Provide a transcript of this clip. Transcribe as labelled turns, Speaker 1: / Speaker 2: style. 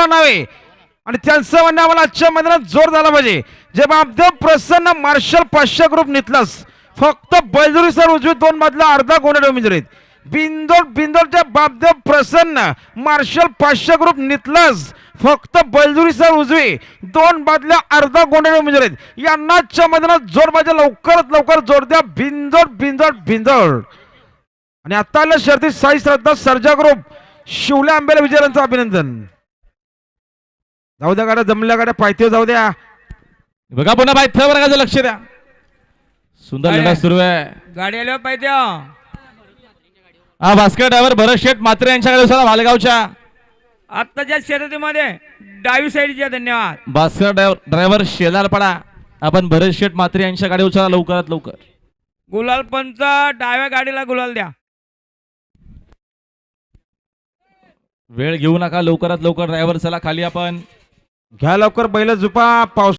Speaker 1: नाव आहे आणि त्यांचं म्हणणं आम्हाला आजच्या मैदानात जोर झाला पाहिजे. जे बापदेव प्रसन्न मार्शल 500 ग्रुप नितलास फक्त बैलजुरी सर उजवी 2 मधला अर्धा गोंडे उमेदवार आहेत. बिंदोडच्या बापदेव प्रसन्न मार्शल 500 ग्रुप नितलास फक्त बैलजुरी सर उजवी 2 बादल्या अर्धा गोंडे उमेदवार आहेत. यांना आजच्या मैदानात जोर पाहिजे. लवकरात लवकर जोर द्या. बिंदोड आणि आता आल्या शर्ती साई श्रद्धा सर्जा ग्रुप शिवल्या आंबेला विजयांचं अभिनंदन. जाऊ द्या गाड्या जमल्या गाड्या पायथ्यावर जाऊ द्या.
Speaker 2: बघा पुन्हा पायथ्यावर बघा लक्ष द्या. सुंदर लढा सुरू आहे.
Speaker 3: गाडी आल्यावर पाहिजे.
Speaker 2: हा भास्कर ड्रायव्हर भरत शेठ मात्रे यांच्याकडे उचला भालगावच्या
Speaker 3: आत्ताच्या शर्यतीमध्ये डावी साईडच्या. धन्यवाद.
Speaker 2: भास्कर ड्रायव्हर शेलारपाडा आपण भरत शेठ मात्रे यांच्या गाडी उचला लवकरात लवकर.
Speaker 3: गुलाल पंच डाव्या गाडीला गुलाल द्या.
Speaker 2: वेळ घेऊ नका लवकरात लवकर ड्रायव्हर चला खाली आपण
Speaker 1: घ्या लवकर बैल झुपा. पाऊस